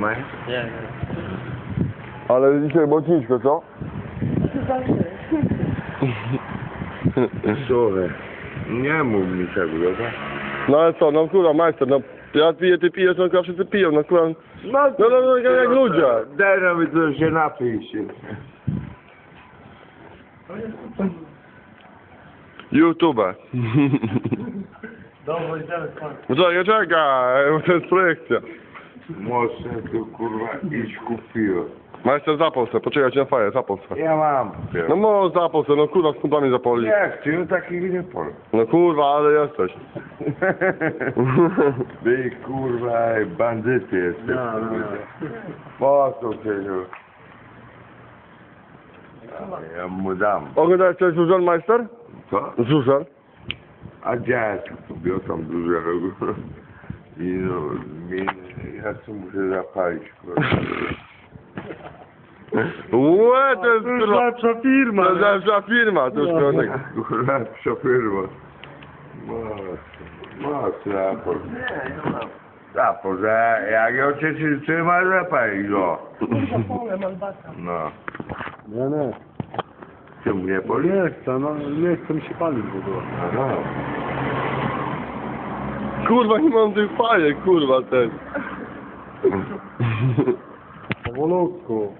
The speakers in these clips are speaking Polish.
Normalnie? Nie. Ale dzisiaj mocniczko, co? Słuchaj, nie mów mi tego, dobra? No ale co, no kurwa, majster, no ja piję, ty pijesz, no kurwa, wszyscy piją, no kurwa. No, jak ludzie. Daj nam to się napij się. YouTube. Dobra, idziemy spać. Czekaj, bo to jest projekcja. Mocno tu kurwa iść kupiło. Majster, zapal se, poczekaj, na faję, zapal se. Ja mam. No może zapal se, no kurwa, z kumplami zapoli. Nie chcę, no takich nie powiem. No kurwa, ale jesteś. Wy kurwa bandyty jesteś. Po co cię? Ja mu dam. Oglądałeś coś Zuzan, majster? Co? Zuzan? A dziadek kobietą dużego. I no, ja tu muszę zapalić, kurwa. Łe, to jest To już kurwa. lepsza firma. To jest lepsza firma, to już kurwa tak. Kurwa, przepyrwa. Mocno, raport. Raport, że jak ją cię trzyma, zapalić go. No. Nie. Czemu nie boli? Nie chcę, no nie chcę mi się palić w ogóle. Aha. Kurwa, nie mam tych fajek, kurwa, ten. Powolutku.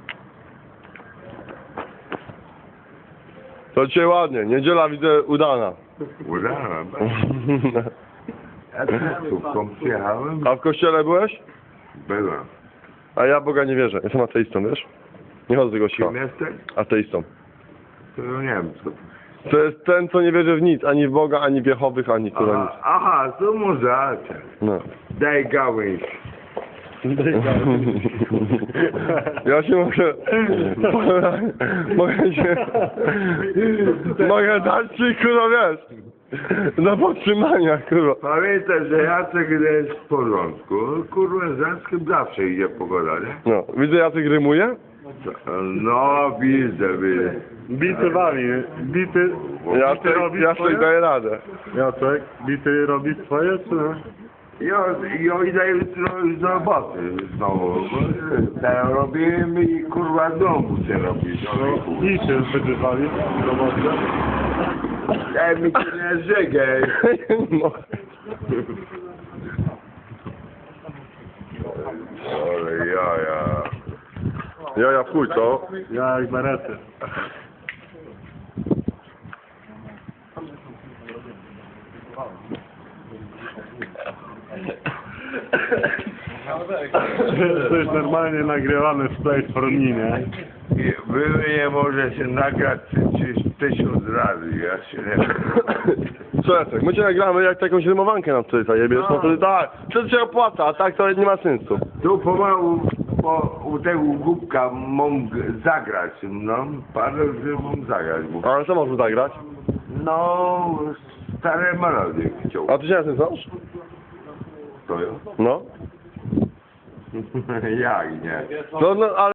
To dzisiaj ładnie, niedziela widzę udana. Udałem. Ja tu przyjechałem. A w kościele byłeś? Byłem. A ja Boga nie wierzę, jestem ateistą, wiesz? Nie chodzę do kościoła. Kim jesteś? Ateistą. To nie wiem co. To jest ten, co nie wierzy w nic, ani w Boga, ani w Jehowych, ani kurwa nic. Aha, to może. No. Daj gałęź. Ja się mogę... Mogę dać ci, kurwa, wiesz, na podtrzymania, kurwa. Pamiętaj, że Jacek jest w porządku. Kurwa, z Jackiem zawsze idzie pogoda, nie? No, widzę, Jacek rymuje. No, widzę. Bity wali, bity robi Jacek swoje? daje radę. Jacek, bity robi swoje, czy nie? Ja idę jutro z roboty znowu. Teraz robimy i kurwa znowu się robi. I się będziesz walił w robocie? Daj mi się nie żygaj. No. Ale jaja. Ja w chuj, co? Ja jak berety. To jest normalnie nagrywane w Play for Me, nie? Wy nie może się nagrać 1000 razy. Ja się nie... Co Jacek, my cię nagramy jak jakąś rymowankę nam tutaj zajebiesz, no to tak, wtedy się opłaca, a tak to nie ma sensu. Tu pomału u tego głupka mam zagrać, no. Parę że mam zagrać. Ale co można zagrać? No, stare melodie chciał. A ty się na tym znasz? To ja? No. Jak nie? No, ale